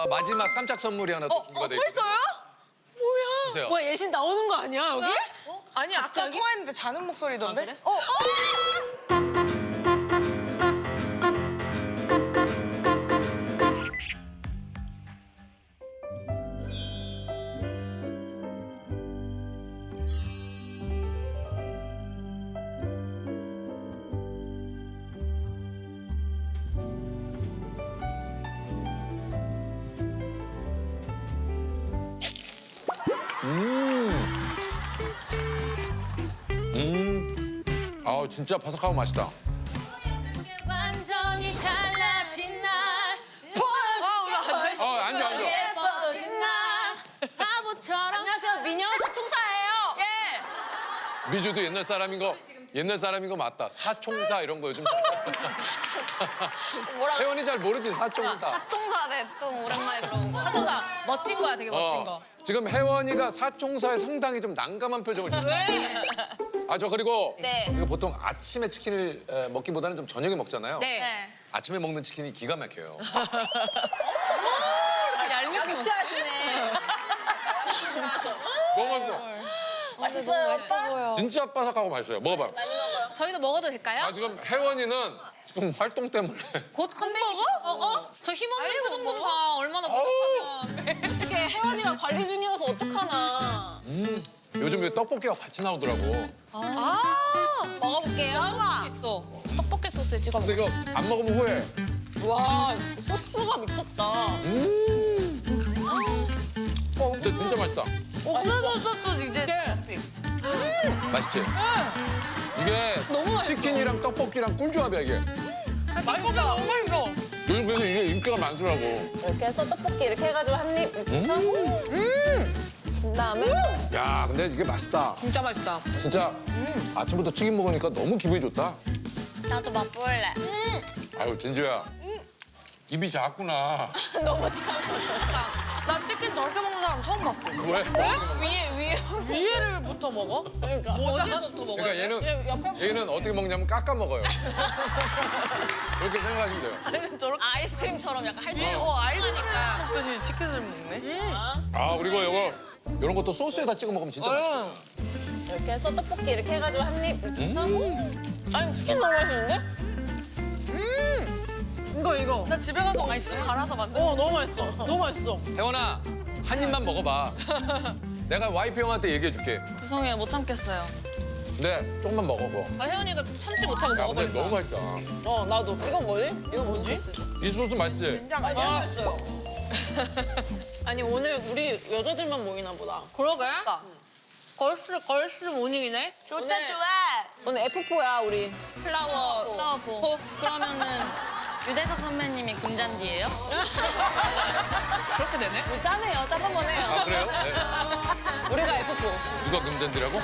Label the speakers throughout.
Speaker 1: 마지막 깜짝 선물이 하나 또 준비가 돼 있거든요.
Speaker 2: 벌써요? 뭐야?
Speaker 1: 주세요.
Speaker 2: 뭐야 예신 나오는 거 아니야 여기?
Speaker 3: 아니 아까
Speaker 2: 갑자기?
Speaker 3: 통화했는데 자는 목소리던데?
Speaker 2: 그래?
Speaker 1: 아 진짜 바삭하고 맛있다.
Speaker 4: 완전히 달라진 날
Speaker 3: 아주
Speaker 1: 앉아.
Speaker 4: 예뻐진 날 바보처럼
Speaker 2: 안녕하세요 미녀 사총사예요.
Speaker 3: 예.
Speaker 1: 미주도 옛날 사람인 거 맞다. 사총사 이런 거 요즘.
Speaker 4: 뭐라고?
Speaker 1: 혜원이 잘 모르지 사총사.
Speaker 4: 사총사 좀 오랜만에 들어본 거. 사총사 멋진 거야, 되게 멋진 거.
Speaker 1: 지금 혜원이가 사총사에 상당히 좀 난감한 표정을 짓고.
Speaker 4: 왜?
Speaker 1: 아 저 그리고
Speaker 3: 네.
Speaker 1: 이거 보통 아침에 치킨을 먹기보다는 좀 저녁에 먹잖아요.
Speaker 4: 네.
Speaker 1: 아침에 먹는 치킨이 기가 막혀요.
Speaker 4: 얄밉게 웃지.
Speaker 2: 취하시네.
Speaker 1: 너무 맛있어.
Speaker 3: 맛있어요 오빠?
Speaker 1: 진짜 바삭하고 맛있어요. 먹어봐.
Speaker 4: 저희도 먹어도 될까요?
Speaker 1: 아 지금 혜원이는 지금 활동 때문에.
Speaker 4: 곧 컴백이시고. 저 힘없는 표정 좀 봐. 얼마나 노력하면.
Speaker 2: 어떻게 혜원이가 관리 중이어서 어떡하나.
Speaker 1: 요즘 왜 떡볶이가 같이 나오더라고.
Speaker 4: 먹어볼게요. 소스 있어. 떡볶이 소스에 찍어
Speaker 1: 근데
Speaker 4: 먹어.
Speaker 1: 이거 안 먹으면 후회.
Speaker 2: 와 소스가 미쳤다.
Speaker 1: 근데 진짜 맛있다.
Speaker 2: 소스 이제
Speaker 1: 맛있지? 이게
Speaker 4: 너무 맛있어.
Speaker 1: 치킨이랑 떡볶이랑 꿀조합이야 이게.
Speaker 3: 맛있다 너무 맛있어.
Speaker 1: 요즘 그래서 이게 인기가 많더라고.
Speaker 2: 이렇게 해서 떡볶이 이렇게 해가지고 한입 그다음에
Speaker 1: 야 근데 이게 맛있다.
Speaker 4: 진짜 맛있다.
Speaker 1: 진짜 아침부터 치킨 먹으니까 너무 기분이 좋다.
Speaker 4: 나도 맛볼래.
Speaker 1: 아유 진주야. 입이 작구나.
Speaker 2: 너무 작아.
Speaker 4: 나 치킨 저렇게 먹는 사람 처음 봤어.
Speaker 1: 왜?
Speaker 3: 위에를부터 먹어?
Speaker 4: 어디서부터 먹어야
Speaker 1: 그러니까
Speaker 4: 돼?
Speaker 1: 얘는 어떻게 먹냐면 깎아 먹어요. 그렇게 생각하시면 돼요.
Speaker 3: 저렇게
Speaker 2: 아이스크림처럼 약간 할
Speaker 3: 위에
Speaker 2: 때.
Speaker 3: 아이스크림 먹듯이 치킨을 먹네.
Speaker 1: 아 그리고 이런 것도 소스에다 찍어 먹으면 진짜 맛있어.
Speaker 2: 이렇게 해서 떡볶이 이렇게 해가지고 한입 이렇게 해서 아니 치킨 너무 맛있는데? 이거
Speaker 3: 나 집에 가서 맛있어 갈아서 만든.
Speaker 2: 너무 맛있어. 너무 맛있어.
Speaker 1: 혜원아 한 입만 먹어봐. 내가 와이프 형한테 얘기해줄게.
Speaker 2: 죄송해요 못 참겠어요.
Speaker 1: 근데 조금만 먹어.
Speaker 4: 혜연이가 참지 못하고
Speaker 1: 야 근데
Speaker 4: 먹어버린다.
Speaker 1: 너무 맛있다.
Speaker 2: 나도. 이건 뭐지? 이거 뭐지?
Speaker 1: 이 소스 맛있지?
Speaker 3: 된장 아니야?
Speaker 2: 맛있어요. 아니 오늘 우리 여자들만 모이나 보다.
Speaker 4: 그러게. 걸스 모닝이네.
Speaker 3: 좋다
Speaker 2: 오늘-
Speaker 3: 좋아.
Speaker 2: 오늘 F4야 우리.
Speaker 4: 플라워.
Speaker 2: 호. 그러면은 유재석 선배님이 금잔디예요?
Speaker 4: 그렇게 되네.
Speaker 2: 짜네요. 딱 한 번 해요.
Speaker 1: 아 그래요? 네.
Speaker 2: 우리가 F4.
Speaker 1: 누가 금잔디라고?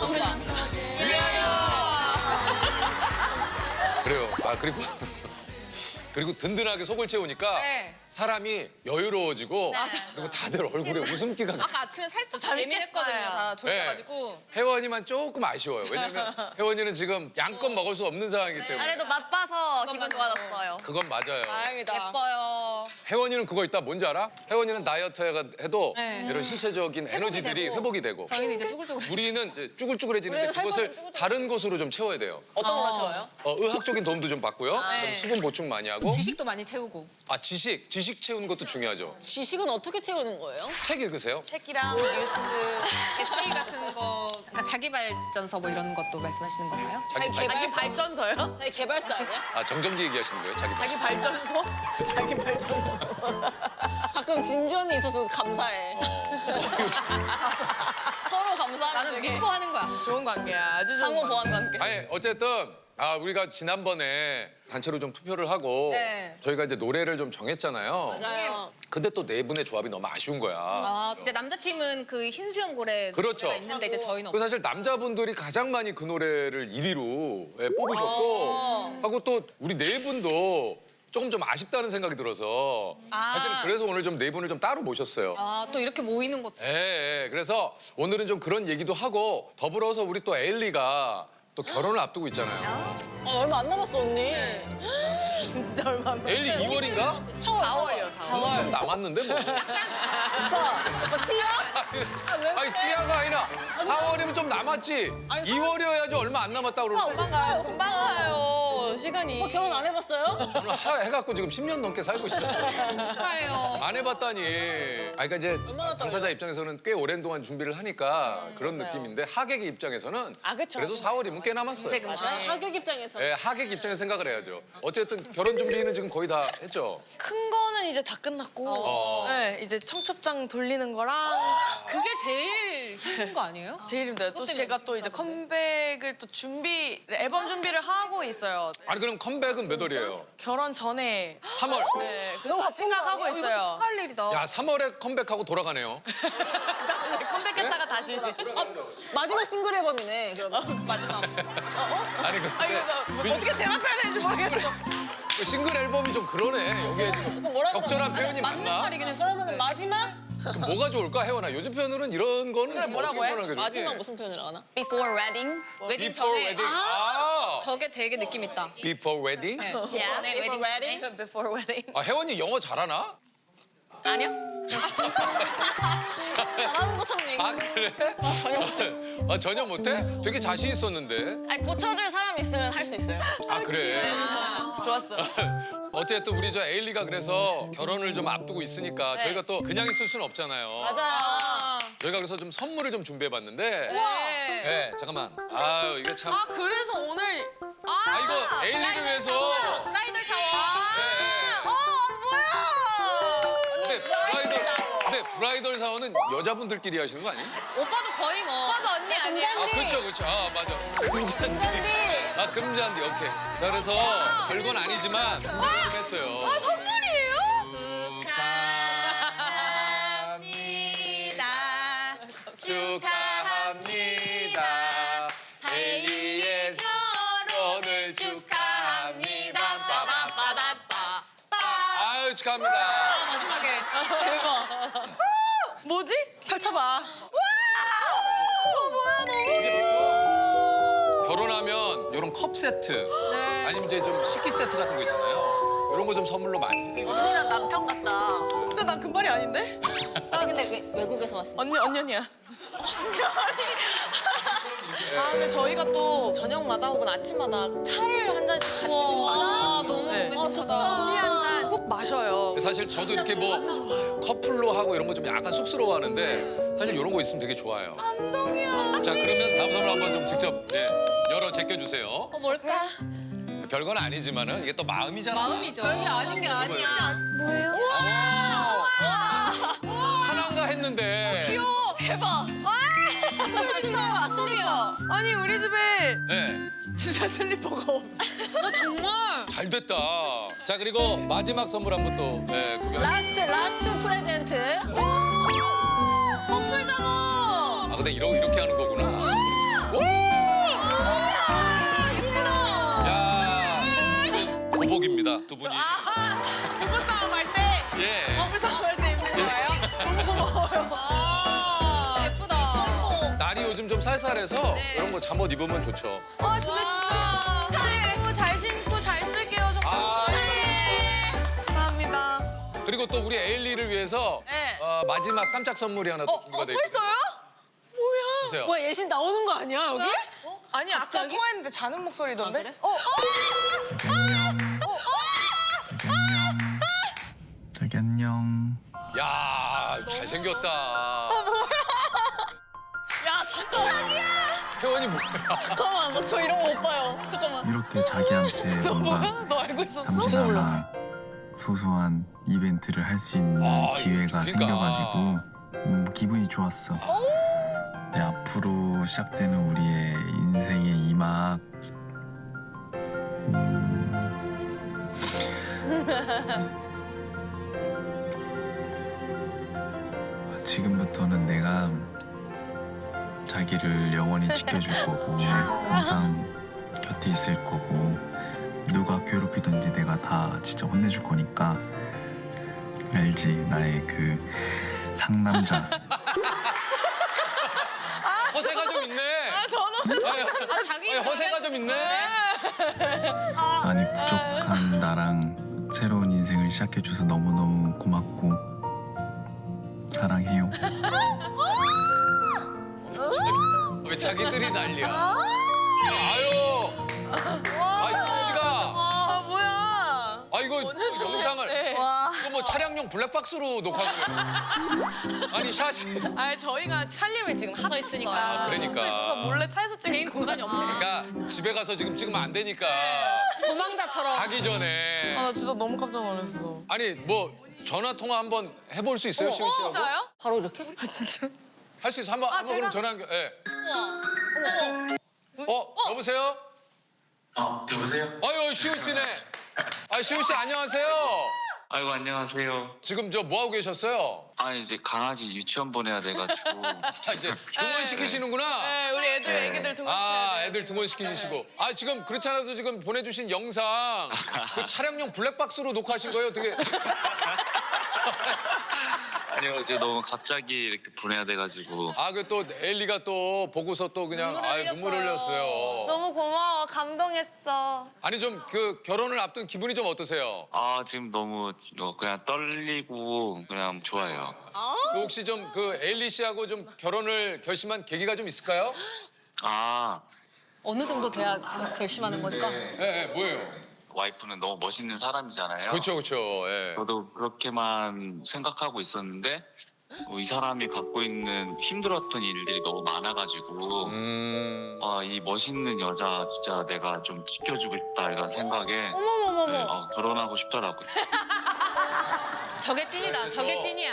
Speaker 1: 그래요. 아 그리고 든든하게 속을 채우니까
Speaker 4: 네.
Speaker 1: 사람이 여유로워지고
Speaker 4: 맞아.
Speaker 1: 그리고 다들 얼굴에 웃음기가 나.
Speaker 4: 아까 아침에 살짝 예민했거든요. 다 졸려가지고.
Speaker 1: 혜원이만 조금 아쉬워요. 왜냐면 혜원이는 지금 양껏 먹을 수 없는 상황이기 때문에.
Speaker 2: 그래도 맛봐서 기분
Speaker 4: 그건
Speaker 2: 좋아졌어요.
Speaker 1: 그건 맞아요.
Speaker 4: 예뻐요.
Speaker 1: 혜원이는 그거 있다. 뭔지 알아? 혜원이는 다이어트 해도
Speaker 4: 네.
Speaker 1: 이런 신체적인 에너지들이
Speaker 4: 되고.
Speaker 1: 회복이 되고.
Speaker 4: 저희는 이제 쭈글쭈글.
Speaker 1: 우리는 이제 쭈글쭈글해지는데
Speaker 2: 우리는 살
Speaker 1: 그것을
Speaker 2: 빠지면 쭈글쭈글.
Speaker 1: 다른 곳으로 좀 채워야 돼요.
Speaker 2: 어떤 걸 좋아요?
Speaker 1: 의학적인 도움도 좀 받고요.
Speaker 4: 네.
Speaker 1: 그럼 수분 보충 많이 하고.
Speaker 4: 지식도 많이 채우고.
Speaker 1: 아 지식 채우는 것도 중요하죠.
Speaker 2: 지식은 어떻게 채우는 거예요?
Speaker 1: 책 읽으세요?
Speaker 4: 책이랑 뉴스, 에세이 같은 거, 약간 자기 발전서 뭐 이런 것도 말씀하시는 건가요?
Speaker 3: 자기 발전서요?
Speaker 2: 자기 개발사 아니야?
Speaker 1: 아 정전기 얘기하시는 거예요? 자기
Speaker 3: 자기 발전소? 자기 발전소.
Speaker 2: 가끔 진전이 있어서 감사해. 서로 감사하면
Speaker 4: 나는
Speaker 2: 되게
Speaker 4: 믿고 하는 거야.
Speaker 3: 좋은 관계야. 아주 좋은
Speaker 2: 상호
Speaker 3: 관계.
Speaker 2: 보완 관계.
Speaker 1: 아니 어쨌든 우리가 지난번에 단체로 좀 투표를 하고
Speaker 4: 네.
Speaker 1: 저희가 이제 노래를 좀 정했잖아요.
Speaker 4: 맞아요.
Speaker 1: 근데 또 네 분의 조합이 너무 아쉬운 거야.
Speaker 4: 아, 이제 남자 팀은 그 흰수염 고래
Speaker 1: 그렇죠.
Speaker 4: 노래가 있는데 이제 저희는
Speaker 1: 그 사실 남자분들이 가장 많이 그 노래를 1위로 뽑으셨고 하고 또 우리 네 분도 조금 좀 아쉽다는 생각이 들어서 사실은 그래서 오늘 좀 네 분을 좀 따로 모셨어요.
Speaker 4: 아, 또 이렇게 모이는 것도.
Speaker 1: 예. 그래서 오늘은 좀 그런 얘기도 하고 더불어서 우리 또 엘리가 또 결혼을 앞두고 있잖아요.
Speaker 2: 얼마 안 남았어 언니.
Speaker 3: 진짜 얼마 안
Speaker 1: 에일리 2월인가?
Speaker 3: 4월이요, 4월.
Speaker 1: 좀 남았는데 뭐. 아니 찌야가 아니라 4월이면 좀 남았지. 2월이어야지 얼마 안 남았다 그러고.
Speaker 3: 금방 가요, 시간이.
Speaker 2: 결혼 안 해봤어요?
Speaker 1: 저는 해갖고 지금 10년 넘게 살고 있어요.
Speaker 4: 축하해요.
Speaker 1: 안 해봤다니. 아 그러니까 이제 당사자 입장에서는 꽤 오랜 동안 준비를 하니까 그런 느낌인데 하객의 입장에서는
Speaker 3: 그쵸.
Speaker 1: 그래도 4월이면 꽤 남았어요.
Speaker 4: 맞아요.
Speaker 2: 하객 입장에서.
Speaker 1: 네, 하객 입장에서 생각을 해야죠. 어쨌든 결혼 준비는 지금 거의 다 했죠.
Speaker 3: 큰 거는 이제 다 끝났고, 네, 이제 청첩장 돌리는 거랑
Speaker 4: 그게 제일 힘든 거 아니에요?
Speaker 3: 제일 힘들어요. 또 제가 또 이제 컴백을 또 앨범 준비를 하고 있어요.
Speaker 1: 아니 그럼 컴백은 몇 월이에요?
Speaker 3: 결혼 전에
Speaker 1: 3월.
Speaker 3: 네, 그거 생각하고
Speaker 4: 이것도
Speaker 3: 있어요.
Speaker 4: 축하할 일이다.
Speaker 1: 야 3월에 컴백하고 돌아가네요.
Speaker 3: 컴백했다가 다시.
Speaker 2: 마지막 싱글 앨범이네. 그러면.
Speaker 4: 마지막.
Speaker 1: 아니 근데
Speaker 3: 어떻게 대답해야 되는지 모르겠어.
Speaker 1: 그 싱글 앨범이 좀 그러네. 여기에 지금 적절한 표현이
Speaker 4: 맞는
Speaker 1: 맞나?
Speaker 4: 말이긴 했어.
Speaker 2: 그러면 마지막?
Speaker 1: 그럼 뭐가 좋을까 혜원아? 요즘 표현으로는 이런 거는 좀
Speaker 3: 뭐라고
Speaker 1: 어떻게
Speaker 3: 해?
Speaker 1: 표현하는 게 좋지?
Speaker 2: 마지막 무슨 표현을 하나?
Speaker 3: Before wedding.
Speaker 4: 웨딩
Speaker 1: Before
Speaker 4: 전에
Speaker 1: wedding. 아,
Speaker 4: 저게 되게 느낌 있다.
Speaker 1: Before wedding?
Speaker 4: 네.
Speaker 3: Yeah,
Speaker 4: 전에
Speaker 3: before
Speaker 4: 웨딩
Speaker 3: wedding.
Speaker 4: 전에.
Speaker 3: Before wedding.
Speaker 1: 아 혜원이 영어 잘하나?
Speaker 3: 아니요.
Speaker 2: 잘하는 것처럼 얘기해.
Speaker 1: 아 그래? 아 전혀 못해? 되게 자신 있었는데.
Speaker 3: 아니 고쳐줄 사람 있으면 할 수 있어요.
Speaker 1: 아 그래?
Speaker 3: 좋았어.
Speaker 1: 어쨌든 우리 저 에일리가 그래서 결혼을 좀 앞두고 있으니까 저희가 또 그냥 있을 수는 없잖아요.
Speaker 3: 맞아.
Speaker 1: 저희가 그래서 좀 선물을 좀 준비해봤는데.
Speaker 4: 네.
Speaker 1: 네, 잠깐만. 아유 이게 참.
Speaker 3: 아 그래서 오늘
Speaker 1: 아 이거 에일리를 위해서.
Speaker 4: 브라이덜 샤워.
Speaker 1: 근데 브라이덜 사원은 여자분들끼리 하시는 거 아니에요?
Speaker 4: 오빠도 거의 뭐.
Speaker 3: 오빠도 언니 아니야?
Speaker 1: 아 그렇죠 그렇죠. 아 맞아. 금잔디. 아 금잔디 오케이. 자 그래서 별건 아니지만 준비를 좀 했어요.
Speaker 3: 선물이에요?
Speaker 4: 축하합니다.
Speaker 1: 축하합니다. 에일리의 결혼을 축하합니다.
Speaker 3: 빠바바바바.
Speaker 1: 아유 축하합니다.
Speaker 4: 마지막에.
Speaker 3: 뭐지? 펼쳐봐.
Speaker 1: 결혼하면 이런 컵 세트
Speaker 4: 네.
Speaker 1: 아니면 이제 좀 식기 세트 같은 거 있잖아요. 이런 거 좀 선물로 많이 드리거든요.
Speaker 2: 언니랑 남편 같다.
Speaker 3: 근데 난 금발이 아닌데?
Speaker 2: 아니 근데 외국에서 왔어.
Speaker 3: 언년이야. 아 근데 저희가 또 저녁마다 혹은 아침마다 차를 한 잔씩 같이
Speaker 4: 아, 너무
Speaker 3: 네.
Speaker 4: 로맨틱하다.
Speaker 3: 커피 한 잔 꼭 마셔요.
Speaker 1: 사실 저도 이렇게 뭐 커플로 하고 이런 거 좀 약간 쑥스러워하는데 사실 이런 거 있으면 되게 좋아요.
Speaker 3: 감동이야.
Speaker 1: 자 그러면 다음 선물 한번 좀 직접 열어 제껴주세요.
Speaker 4: 뭘까?
Speaker 1: 별건 아니지만은 이게 또 마음이잖아요.
Speaker 4: 마음이죠.
Speaker 2: 별게 아닌 게 아니야.
Speaker 3: 뭐예요?
Speaker 1: 하나인가 했는데.
Speaker 4: 귀여워.
Speaker 3: 대박.
Speaker 4: 있어. 소리야.
Speaker 3: 아니 우리 집에
Speaker 1: 네.
Speaker 3: 진짜 슬리퍼가 없어.
Speaker 4: 정말.
Speaker 1: 잘 됐다. 자 그리고 마지막 선물 한번 또 구경.
Speaker 2: 라스트 프레젠트.
Speaker 4: 커플 잡어.
Speaker 1: 아 근데 이렇게 하는 거구나.
Speaker 4: 예쁘다.
Speaker 1: 야 이건 보복입니다 두 분이.
Speaker 3: 부부싸움 할 때.
Speaker 1: 예.
Speaker 3: 부부싸움 할 때 입는 거예요? 너무 고마워요.
Speaker 4: 와, 예쁘다.
Speaker 1: 날이 요즘 좀 쌀쌀해서 이런 거 잠옷 입으면 좋죠.
Speaker 3: 아 근데
Speaker 4: 와.
Speaker 3: 진짜 잘 입고 잘 신고 잘 쓸게요. 정말.
Speaker 1: 아
Speaker 3: 감사합니다.
Speaker 1: 그리고 또 우리 에일리를 위해서
Speaker 3: 네.
Speaker 1: 마지막 깜짝 선물이 하나 또 준비가 돼 있거든요.
Speaker 3: 벌써요? 뭐야?
Speaker 1: 주세요.
Speaker 2: 뭐야 예신 나오는 거 아니야 여기?
Speaker 3: 아니 아까 통화했는데 자는 목소리던데?
Speaker 2: 그래?
Speaker 5: 자기 안녕.
Speaker 1: 야 잘생겼다.
Speaker 2: 야 잠깐만.
Speaker 1: 혜원이 뭐야?
Speaker 2: 잠깐만 저 이런 거 못 봐요. 잠깐만.
Speaker 5: 이렇게 자기한테 뭔가
Speaker 3: 너 알고 있었어?
Speaker 5: 잠시나마 소소한 이벤트를 할 수 있는
Speaker 1: 아,
Speaker 5: 기회가
Speaker 1: 그러니까.
Speaker 5: 생겨가지고 기분이 좋았어. 네, 앞으로 시작되는 우리의 인생의 이막 지금부터는 내가 자기를 영원히 지켜줄 거고 항상 곁에 있을 거고 누가 괴롭히든지 내가 다 진짜 혼내줄 거니까 알지 나의 그 상남자.
Speaker 1: 허세가 좀 있네.
Speaker 3: 저는
Speaker 4: 아, 자기.
Speaker 1: 허세가 좀 있네.
Speaker 5: 많이 부족한 나랑 시작해줘서 너무너무 고맙고 사랑해요.
Speaker 1: 왜 자기들이 난리야? 아유, 희원 씨가,
Speaker 3: 아 뭐야?
Speaker 1: 아 이거 영상을 이거 뭐 차량용 블랙박스로 녹화고요. 아니 샷이.
Speaker 3: 아니 저희가 살림을 지금
Speaker 4: 붙어 있으니까.
Speaker 1: 아, 그러니까.
Speaker 3: 몰래 차에서 찍은
Speaker 4: 개인 공간이 없는
Speaker 1: 그러니까 집에 가서 지금 찍으면 안 되니까
Speaker 4: 도망자처럼.
Speaker 1: 가기 전에.
Speaker 3: 나 진짜 너무 깜짝 놀랐어.
Speaker 1: 아니 뭐 전화 통화 한번 해볼 수 있어요, 시원 씨하고?
Speaker 3: 진짜요?
Speaker 2: 바로 이렇게?
Speaker 3: 아 진짜?
Speaker 1: 할 수 있어. 한번
Speaker 3: 제가?
Speaker 1: 그럼 전화 연결. 예. 여보세요?
Speaker 6: 여보세요?
Speaker 1: 아유, 시훈 씨네. 아, 시훈 씨 안녕하세요.
Speaker 6: 아이고 안녕하세요.
Speaker 1: 지금 저 뭐 하고 계셨어요?
Speaker 6: 아니 이제 강아지 유치원 보내야 돼가지고
Speaker 1: 아, 이제 등원 시키시는구나.
Speaker 3: 네, 우리 애기들 등원시켜야
Speaker 1: 아,
Speaker 3: 돼.
Speaker 1: 애들 등원 시키시고. 아, 지금 그렇지 않아도 지금 보내주신 영상 그 차량용 블랙박스로 녹화하신 거예요? 어떻게?
Speaker 6: 아니요 이제 너무 갑자기 이렇게 보내야 돼가지고
Speaker 1: 아, 그 또 엘리가 또 보고서 또 그냥 눈물 흘렸어요.
Speaker 3: 너무 고마워. 감동했어.
Speaker 1: 아니 좀 그 결혼을 앞둔 기분이 좀 어떠세요?
Speaker 6: 아 지금 너무 그냥 떨리고 그냥 좋아요.
Speaker 1: 그 혹시 좀 그 엘리 씨하고 좀 결혼을 결심한 계기가 좀 있을까요?
Speaker 6: 아
Speaker 4: 어느 정도 돼야 결심하는 거니까.
Speaker 1: 예, 뭐예요?
Speaker 6: 와이프는 너무 멋있는 사람이잖아요.
Speaker 1: 그렇죠, 그렇죠. 예.
Speaker 6: 저도 그렇게만 생각하고 있었는데 이 사람이 갖고 있는 힘들었던 일들이 너무 많아가지고 이 멋있는 여자 진짜 내가 좀 지켜주고 싶다 이런 생각에 네, 결혼하고 싶더라고요.
Speaker 4: 저게 찐이다. 저게 찐이야.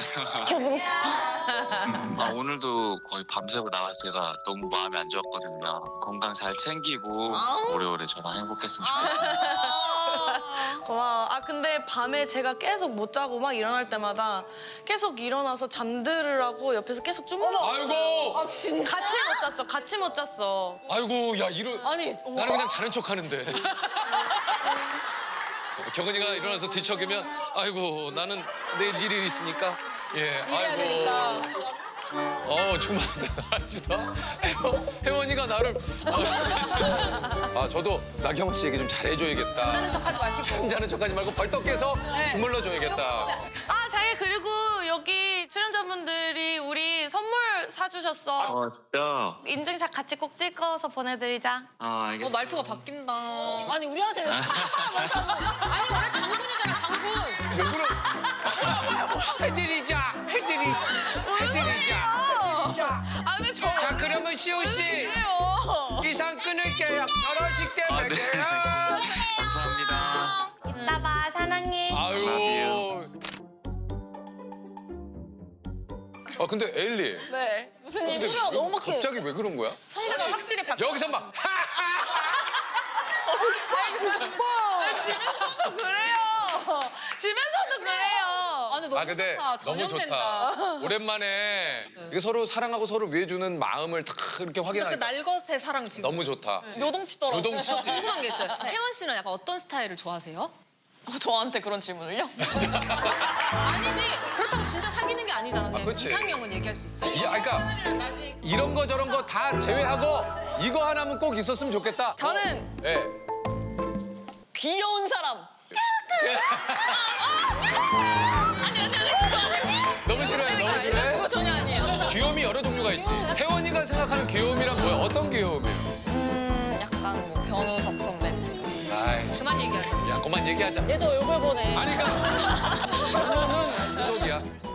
Speaker 6: 오늘도 거의 밤새고 나와서 제가 너무 마음이 안 좋았거든요. 건강 잘 챙기고 오래오래 저랑 행복했으면 좋겠어요.
Speaker 3: 고마워. 아 근데 밤에 제가 계속 못 자고 막 일어날 때마다 계속 일어나서 잠들으라고 옆에서 계속 주물러.
Speaker 1: 아이고,
Speaker 3: 같이 못 잤어. 같이 못 잤어.
Speaker 1: 아이고, 야 이런.
Speaker 3: 아니
Speaker 1: 나는 그냥 자는 척하는데. 경은이가 일어나서 뒤척이면 아이고 나는 내일 일이 있으니까 예
Speaker 4: 일해야 되니까.
Speaker 1: 정말 대단하시다. 혜원이가 나를 저도 나경원 씨에게 좀 잘해줘야겠다.
Speaker 4: 하는 척하지 마시고.
Speaker 1: 잠자는 척하지 말고 벌떡 깨서 주물러줘야겠다.
Speaker 3: 아 자기 그리고 여기 출연자분들이 우리 선물 사주셨어.
Speaker 6: 진짜?
Speaker 3: 인증샷 같이 꼭 찍어서 보내드리자.
Speaker 6: 알겠습니다.
Speaker 4: 말투가 바뀐다.
Speaker 2: 아니 우리한테
Speaker 4: 아니 원래 장군이잖아 장군.
Speaker 1: 왜 그래? 해드리자.
Speaker 3: 아 근데 저
Speaker 1: 자 그러면 시호 씨
Speaker 3: 왜요?
Speaker 1: 이상 끊을게요. 결혼식 때
Speaker 6: 네.
Speaker 1: 뵐게요.
Speaker 6: 감사합니다.
Speaker 3: 이따 봐 사랑해.
Speaker 1: 아유. 근데 엘리.
Speaker 3: 네.
Speaker 2: 무슨
Speaker 1: 근데
Speaker 2: 일이야? 너무 막해.
Speaker 1: 갑자기 왜 그런 거야?
Speaker 4: 성대가 확실히 바뀌어.
Speaker 1: 여기서 막
Speaker 3: 집에서도 그래요. 집에서도 그래요.
Speaker 4: 아니 너무
Speaker 1: 근데
Speaker 4: 좋다.
Speaker 1: 너무
Speaker 4: 전염된다.
Speaker 1: 좋다. 오랜만에 이게 서로 사랑하고 서로 위해주는 마음을 딱 이렇게
Speaker 4: 진짜 그
Speaker 1: 확인하니까
Speaker 4: 날것의 사랑 지금.
Speaker 1: 너무 좋다.
Speaker 2: 요동치더라고.
Speaker 1: 요동치.
Speaker 4: 궁금한 게 있어요. 혜원 씨는 약간 어떤 스타일을 좋아하세요?
Speaker 3: 저한테 그런 질문을요?
Speaker 4: 아니지. 그렇다고 진짜 사귀는 게 아니잖아. 그냥
Speaker 1: 그치.
Speaker 4: 이상형은 얘기할 수 있어.
Speaker 1: 그러니까 이런 거 저런 거 다 제외하고 이거 하나면 꼭 있었으면 좋겠다.
Speaker 3: 저는
Speaker 1: 예.
Speaker 2: 귀여운 사람.
Speaker 1: 너무 싫어해, 너무 싫어해.
Speaker 3: 그거 전혀 아니에요.
Speaker 1: 귀여움이 여러 종류가 있지. 혜원이가 생각하는 귀여움이란 뭐야? 어떤 귀여움이에요?
Speaker 3: 약간 뭐 변우석 선배님.
Speaker 1: 아이,
Speaker 4: 그만 얘기하자.
Speaker 1: 야, 그만 얘기하자.
Speaker 2: 얘도 욕을 보내.
Speaker 1: 아니, 그러니까 결론은 구속이야.